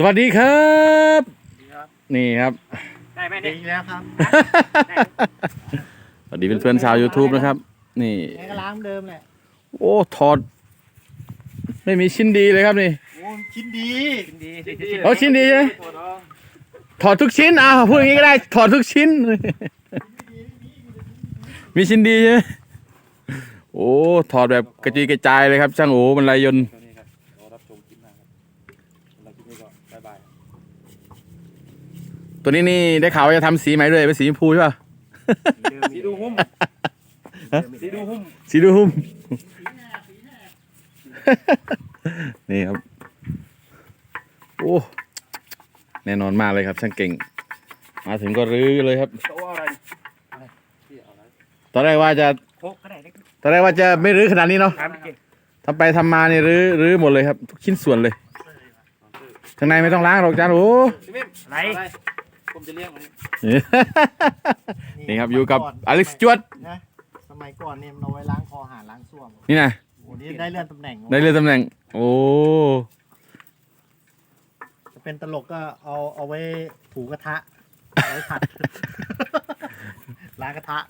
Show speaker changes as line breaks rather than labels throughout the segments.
วัสดีครับนี่ครับ
ได้ไหมเนี่ยแล้วครับ
สวัสดีเพื่อนๆชาว YouTube นะครับนี่
ก็ล้างเดิมแหละ
โอ้ถอดไม่มีชิ้นดีเลยครับนี่
โอ้ชิ้นดี
เอาชิ้นดีใช่ไหมถอดทุกชิ้นพูดอย่างนี้ก็ได้ถอดทุกชิ้นมีชิ้นดีใช่ไหมโอ้ถอดแบบกระจุยกระจายเลยครับช่างโอ้บรรลัยยนต์ตัวนี้นี่ได้ข่าวว่าจะทำสีใหม่ด้วยเป็นสีชมพูใช่ป่ะ
สีดูหุ้มสีดูหุ้ม
สีดูหุ้มนี่ครับโอ้แน่นอนมากเลยครับช่างเก่งมาถึงก็รื้อเลยครับตอนแรกว่าจะไม่รื้อขนาดนี้เนาะทำไปทำมาเนี่ยรื้อหมดเลยครับทุกชิ้นส่วนเลยข้างในไม่ต้องล้างหรอกจานโอ้
อะไรผมจะเลี้ยงมัน
นี่ครับอยู่กับอเล็กซ์จวด
นะสมัยก่อนเนี่ยมันเอาไว้ล้างคอหาล้างส้วม
นี่นะ
วันนี้ได้เลื่อนตำแหน่ง
โอ้
จะเป็นตลกก็เอาไว้ถูกระทะเอาไว้ผัดล้างกระทะ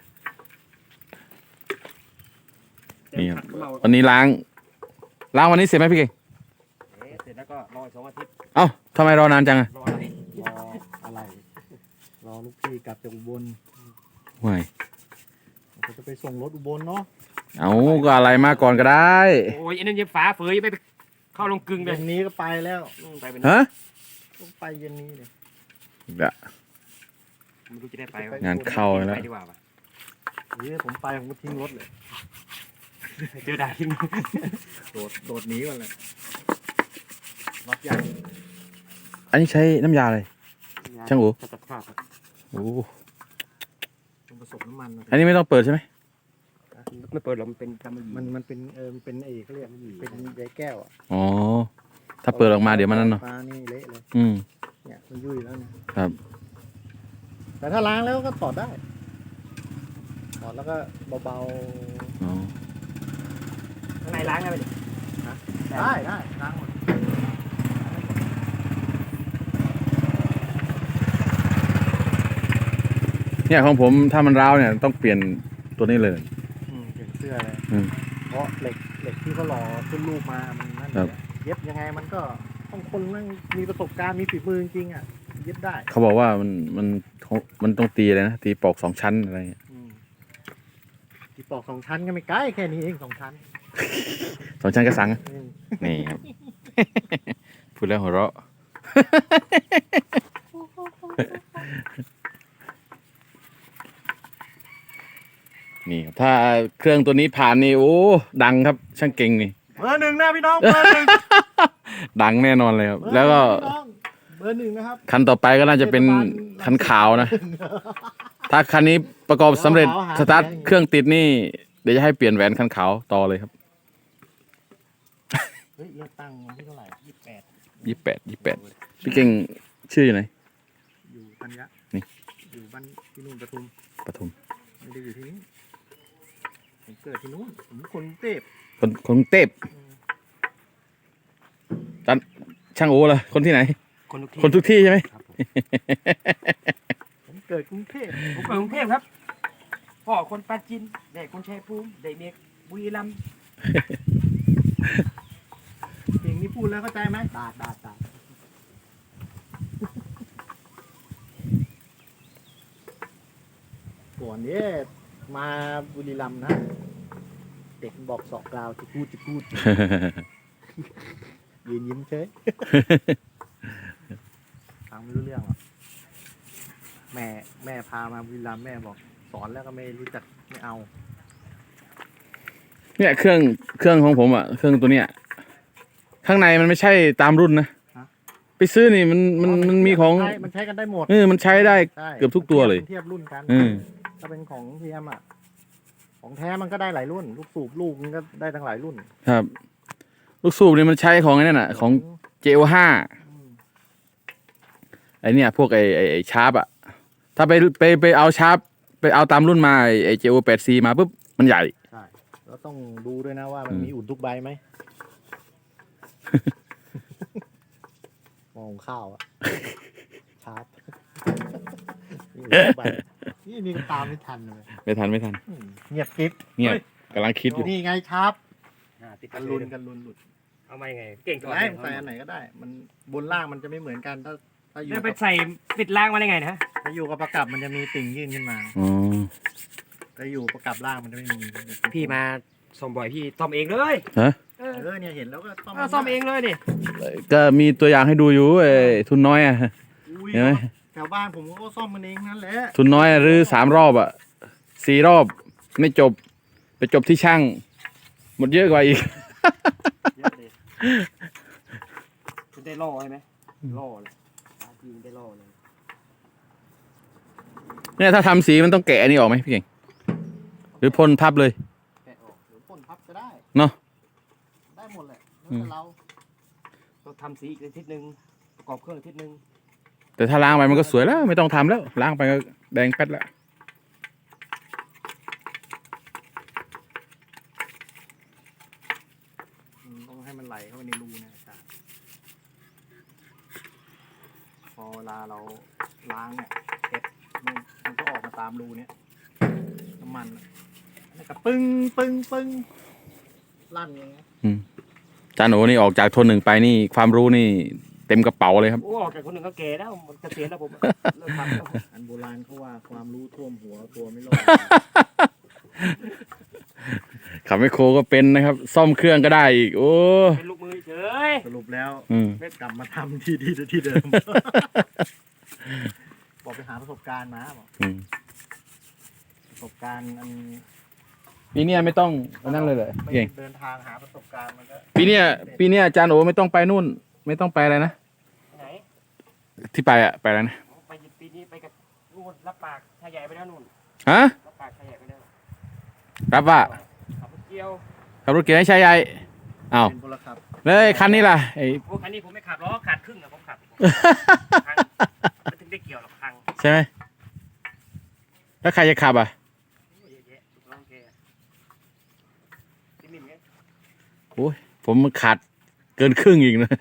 นี่ครับวันนี้ล้างวันนี้เสร็จไหมพี่เก่ง
เสร็จแล้วก็รอ2 อาทิตย์
เอ้าทำไมรอนานจังอะ
รออะไรรอลูกพี่กลับจากอุบล
ไม่
จะไปส่งรถอุบลเนาะ
เอาก็อะไรมาก่อนก็ได้
โอ้ยอันนั้นยังฝาเฟยไปเข้าลงกึ่งเลย
เย็นนี้ก็ไปแล้ว
ฮะ
ต้องไปเย็นนี้เลย
เดี๋ยว
ไม่รู้จะได้ไป
งานเข้าแล้ว
ดีกว่าป่ะ
ผมไปผมก็ทิ้งรถเลย
เจอได้ทิ้ง
โดดหนีก่อนเลยรถใหญ่
อันนี้ใช้น้ำยาอะไรช่างอู๋โอ้
ผสมน้ำมัน
อันนี้ไม่ต้องเปิดใช่ไหม
ไม่เปิดหรอกมันเป็น
มันเป็นเอกเขาเรียกเป็นใยแก้วอ่ะ
อ๋อถ้าเปิดออกมาเดี๋ยวมันนั่นเนาะ
ปลานี่เละเลยเนี่ยมันยุ่ยแล้วเนี่ย
ครับ
แต่ถ้าล้างแล้วก็ถอดได้ถอดแล้วก็เบา
อ๋อ
ข้างในล้างได้ไหม
ได้ล้างหมด
เนี่ยของผมถ้ามันร้าวเนี่ยต้องเปลี่ยนตัวนี้เลย
เปลี่ยนเสื้อเลยเพราะเหล็กที่เขาหล่อขึ้นรูปมามันนั่นเย็บยังไงมันก็ต้องคนนั่งมีประสบการณ์มีฝีมือจริงๆอ่ะเย็บได้
เขาบอกว่ามันต้องตีอะไรนะตีปอก2 ชั้นอะไร
ตีปอก2 ชั้นก็ไม่ใกล้แค่นี้เอง2 ชั้น
2 ชั้นกระสังนี่ครับพูดแล้วหัวเราะนี่ถ้าเครื่องตัวนี้ผ่านนี่โอ้ดังครับช่างเก่งนี่
เบอร์ 1นะพี่น้องเบอร์ 1
ดังแน่นอนเลยครับแล้วก็
เบอร์ 1นะครับ
คันต่อไปก็น่าจะเป็นคันขาวนะถ้าคันนี้ประกอบสำเร็จสตาร์ทเครื่องติดนี่เดี๋ยวจะให้เปลี่ยนแหวนคันขาวต่อเลยครับ
เฮ้ยเลือกตั้งที่เท่าไหร่
28พี่เก่งชื่ออยู่ไหน
อยู่ธัญญะ
นี่
อยู่บ้านที่นู่นปทุมไม่ได้อยู่ที่นี่ผมเกิดที่นู่นผมคนกรุงเทพ
คนกรุงเทพจันช่างโอ้ล่ะคนที่ไหนคนทุกที่ใช่ไหม
ผมเกิดกรุงเทพ
ครับพ่อคนปราจีนเด็กคนชัยภูมิเด็กเมียบุรีรัมย์
เพลงนี้พูดแล้วเข้าใจไหมตาก่อนนี้มาบุรีรัมย์นะเด็กบอกสอกกล่าวจะพูดยืนยิ้มเฉยฟังไม่รู้เรื่องหรอกแม่พามาบุรีรัมย์แม่บอกสอนแล้วก็ไม่รู้จักไม่เอา
เนี่ยเครื่องของผมอ่ะเครื่องตัวเนี้ยข้างในมันไม่ใช่ตามรุ่นนะไปซื้อนี่มันมีของ
มันใช้กันได้หมด
มันใช้ได้เกือบทุกตัวเลย
เทียบรุ่นกันถ้าเป็นของเทียมอ่ะของแท้มันก็ได้หลายรุ่นลูกสูบลูกมันก็ได้ทั้งหลายรุ่น
ครับลูกสูบนี่มันใช้ของไอ้นั่นน่ะของ JO5 ไอเนี่ยพวกไอชาร์ปอ่ะถ้าไปเอาชาร์ปไปเอาตามรุ่นมาไอ JO8C มาปุ๊บมันใหญ่
ใช่แล้วต้องดูด้วยนะว่ามันมีอุ่นทุกใบไหมหุงข้าวอะชาร์จนี่ก็ตามไม่ทันเลย
ไม่ทัน
เงียบกิ๊บ
เงียบกำลังคิดอยู่
นี่ไงชาร์จ
ติด
กั
กัน น
ลุ
ลุ
น
น
กันลุนหลุด
เอามายังไงเก่งตัว
ได้ใส่อันไหนก็ได้ มันบนล่างมันจะไม่เหมือนกันถ้าอยู่
แล้วไป
กับ
ใส่ปิดล่างมาได้ไงนะ
ถ้าอยู่กับประกับมันจะมีติ่งยื่นขึ้นมา
อ๋อ
ถ้าอยู่ประกับล่างมันจะไม่มี
พี่มาซ่อมบ่อยพี่ซ่อมเองเลย
ฮะ
เนี่ยเห็นแล้วก็ต้อง
ซ่อมเองเลยดิ
ก็มีตัวอย่างให้ดูอยู่ไอ้ทุนน้อยอ่ะ
อุ้ย
เห็นไหม
แถวบ้านผมก็ซ่อมมันเองนั่นแหละ
ทุนน้อยหรือ3 รอบอ่ะ4 รอบไม่จบ ไปจบที่ช่าง หมดเยอะกว่าอีก
เยอะเลยคุณได้ล่อใช่ไหมล่อเลยทีมได้ล่อเลย
เนี่ยถ้าทำสีมันต้องแกะอันนี้ออกไหมพี่เก่ง หรือพ่นพับเลย
แกะออกหรือพ่นพับก็ได้
เนาะ
ได้หมดแหละแล้วแต่เรา
ต้องทำสีอีกอาทิตย์นึงประกอบเครื่องอาทิตย์นึง
แต่ถ้าล้างไปมันก็สวยแล้ว ไม่ต้องทำแล้ว ล้างไปก็แดงแป๊ดแล้ว
ต้องให้มันไหลเข้าไปในรูเนี่ยอาจารย์พอเวลาเราล้างเนี่ยเก็บมันก็ออกมาตามรูเนี่ยน้ำมันอะแล้วก็ปึ้งลั่นอย่างเงี้ย
จานโอนี่ออกจากทน 1ไปนี่ความรู้นี่เต็มกระเป๋าเลยครับ
โอ้ออกจากคนหนึ่งก็แก่แล้วมันเกษียณแล้วผมเลิกทำแล้ว
อันโบราณเขาว่าความรู้ท่วมหัวตัวไม่รอด
ขับไมคโครก็เป็นนะครับ ซ่อมเครื่องก็ได้อีก โอ้
เป็นลูกมือเฉย
สรุปแล้ว
อืม
กลับมาทำที่เดิม บอกไปหาประสบการณ์มาบอก
อืม
ประสบการณ์อัน
ปีเนี้ยไม่ต้องนั่นเลยเหรอ
ไม่
เก่ง
เดินทางหาประสบการณ์มันก็
ปีเนี้ยจานโอไม่ต้องไปนู่น ไม่ต้องไปอะไรนะ
ไหน
ที่ไปอะไปอะไรนะ
ไปปีนี้ไปกับนู่นรับปากชายใหญ่ไปแล้วนู่น
ฮะ
รับปากชายใหญ่ไปแล้ว
รับว่า
ขับรถเกี่ยว
ขับรถเก๋งให้ชายใหญ่อ้าว
เป็นพลขับ
แล้วไอ้คันนี้ล่ะไอ้
พวกคันนี้ผมไม่ขับล้อขาดครึ่งอะผมขับพังไม่ถึงได้เกี่ยวหรอกพัง
ใช่ไหมแล้วใครจะขับอ่ะ
เยอะแยะถูกต้องแกที่นี่ไง
โอ้ยผมขาดเกินครึ่งอีกนะ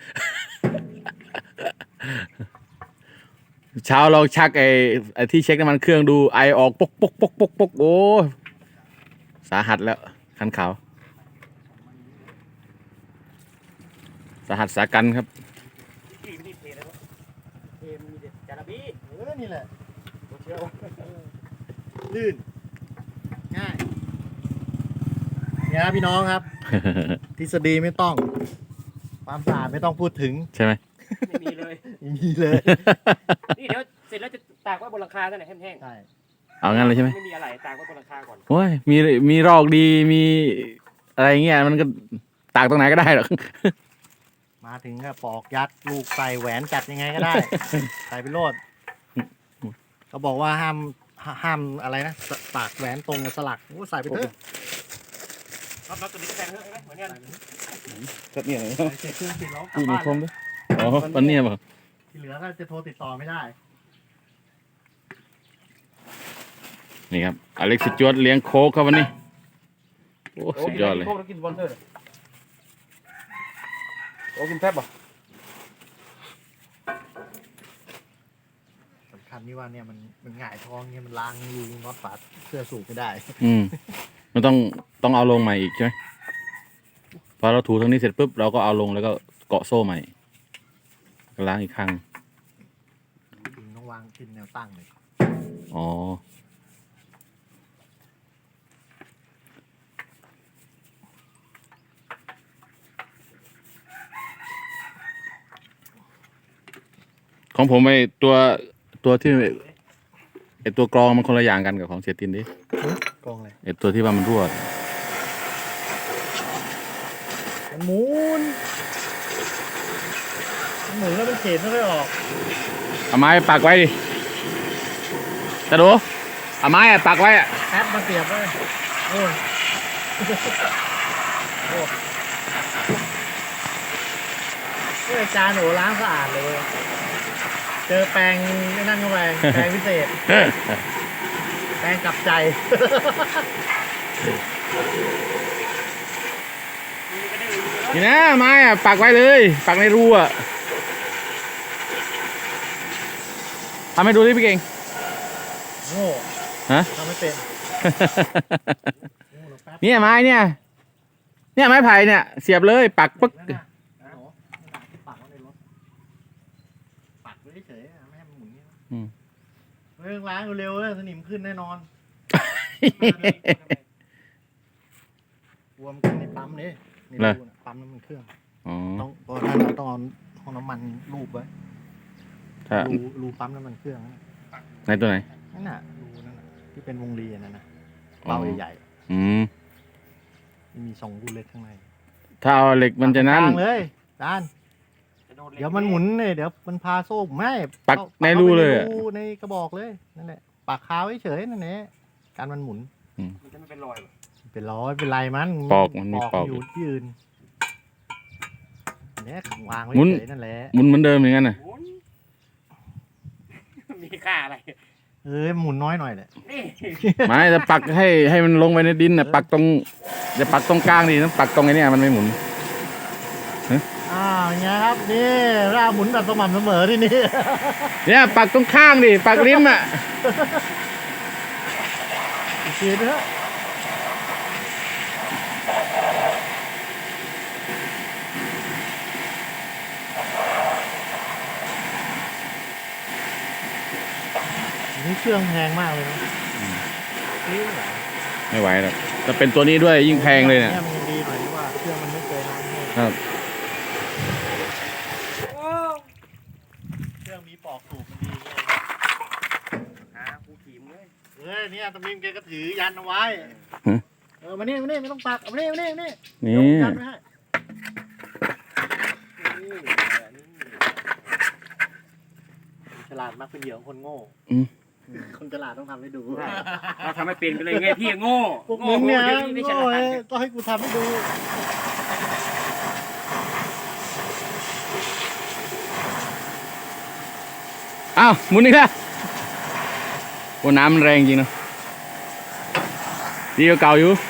เช้าเราชักไอ้ที่เช็คน้ำมันเครื่องดูไอออกปกโอ้สาหัสแล้วคันขาวสาหัสสากันครับ
ที่ไม่ได้เทแล้วเทมีเด็ดจาระบี
นี่แหละตัวเชียวลื่นง่ายเนี่ยพี่น้องครับ ทฤษฎีไม่ต้อง ความสะอาดไม่ต้องพูดถึง
ใช่ไหม
ไม่มีเลย
ไม่มีเลย
นี่เดี๋ยวเสร็จแล้วจะตากไว้บนหลังคาซะหน่อยแห้ง
ใช่
เอางั้นเลยใช่ไหม
ไม่มีอะไรตากไว้บนหลังคาก่อน
โอ้ยมีรอกดีมีอะไรเงี้ยมันก็ตากตรงไหนก็ได้หรอก
มาถึงก็ปอกยัดลูกใส่แหวนจัดยังไงก็ได้ ใส่ไปโลดเขาบอกว่าห้ามอะไรนะปากแหวนตรงกับสลักโอ้ใส่ไปเถอะ
รับตัวนี้ก็แพงเยอะใช่ไหมเหมือนกัน
ก็เนี่ย
เช็คเครื่องติดแล้วกลั
พี่
บ
มี
บ้าน
คมด้วยอ๋อปันเนี่ยป่ะ
ที่เหลือก็จะโทรติดต่อไม่ได้
นี่ครับอเล็กซ์จวดเลี้ยงโค้กครับวันนี้โอ้สุดยอดเลย
โค้กแล้วกินสปอนเซอร์โอ้กินแป๊บป่ะ
สำคัญที่ว่าเนี่ยมันหงายท้องเนี่ยมันล้างรูน็อตฝาเสื้อสูบไม่ได้
อืมมันต้องเอาลงใหม่อีกใช่ไหมพอเราถูตรงนี้เสร็จปุ๊บเราก็เอาลงแล้วก็เกาะโซ่ใหม่ก็ล้างอีกครั้ง
จริงต้องวางขึ้นแนวตั้งเลย
อ๋อของผมไอตัวที่ไอตัวกรองมันคนละอย่างกันกับของเสียตินดิ
กองเลย
ไอตัวที่ว่ามันรั่ว
มันหมุนแล้วมันเข็นไม่ค่อยออก
เอาไม้ปักไว้ดิจะดูเอาไม้อะปักไว้อะ
แอปมาเสียบเลยโอ้ยโอ้ยอาจารย์โหล้างสะอาดเลย เจอแปรงไม่นั่นเข้าไปแปรงพิเศษ แปรงกลับใจ
นี่นะไม้อะปักไว้เลย ปักในรูอะทำให้ดูดิพี่เก่ง
โง่
ฮะ
ทำไม่เป็นโง่หรอกแป๊บ
เนี่ยไม้เนี่ยไม้ไผ่เนี่ยเสียบเลยปักปึ๊ก
นั่นน่ะโอ้โหนั่นน่ะที่ปักไว้ในรถปักไว้เฉยๆอะไม่ให้มันหมุนเนี่ยเรื่องล้างเร็วๆเลยสนิมขึ้นแน่นอนรวมกันในปั๊มนี่ในรูน่ะปั๊มน้ำมันเครื่อง
อ๋อ
ต้องตอนนั้นเราต้องเอาห้องน้ำมันรูปไว้
ถ้า
รูปั๊มน้ำมันเครื่องนั่นน่ะ
ในตัวไหน
นั่นน่ะรูนั่นน่ะที่เป็นวงรีอันนั่นนะ
อ๋อ
เบาใหญ่
อืม
ๆมี2รูเล็กข้างใน
ถ้าเอาเหล็กมันจะนั่น
ปักตรงกลางเลยจานเดี๋ยวมันหมุนเนี่ยเดี๋ยวมันพาโซ่ไม่
ปักในรูเลย
ปั
อะ
กข้าไปในรูในกระบอกเลยนั่นแหละปักคาไว้เฉยนั่นแหละการมันหมุน
มันจะไม่เป็นรอยหรอ
เป็นร้อยเป็นไรมัน
ปอกมันมีปอก
อยู่ที่อื่นเนี่ยวางไว้
หมุน
เฉยนั่นแหละ
หมุนเหมือนเดิมอย่างนั้นน่ะ
โอ้ยมีค่าอะไร
หมุนน้อยหน่อยแหละ
นี่
ไม่จะปักให้มันลงไปในดินน่ะปักตรงจะปักตรงกลางดิต้องปักตรงไอ้เนี่ยมันไม่หมุน
อย่างเงี้ยครับนี่เราหมุนแบบสม่ำเสมอที่นี่
เนี่ยปักตรงข้างดิปักริมอ่ะ
อีกทีนะฮะนี่เครื่องแพงมากเลยนะนี่เหรอ
ไม่ไหวหรอกจะเป็นตัวนี้ด้วยยิ่งแพงเลยเนี่ย
มันยังดีหน่อยที่ว่าเครื่องมันไม่เคยน้ำให้
ครับ
โอ้
เครื่องมีปอกสูบมันดีไง
หาผู้ขี่มเลย
เนี่ยตะมิมแกก็ถือยันเอาไว้มานี่ไม่ต้องปักเอามานี่
นี่
ยันไว้ให้ฉลาดมักเป็นเหยื่อของคนโง่คนฉลาดต้องทำให้ดู
เราทำไม่เป็นกันเลยไงพี่โง่
พวกมึงเนี่ย
ดี๋วไม่ฉ
โง่
ลาด
ก็ให้กูทำให้ดู
อ้าวหมุนอีกแล้วโอ้น้ำมันแรงจริงเนอะดีกว่าเก่าอยู่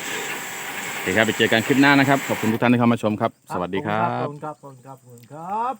โอเคครับไปเจอกันคลิปหน้านะครับ ขอบคุณทุกท่านที่เข้ามาชมครับ สวัสดีครั
ข
บ
อบคุณครับ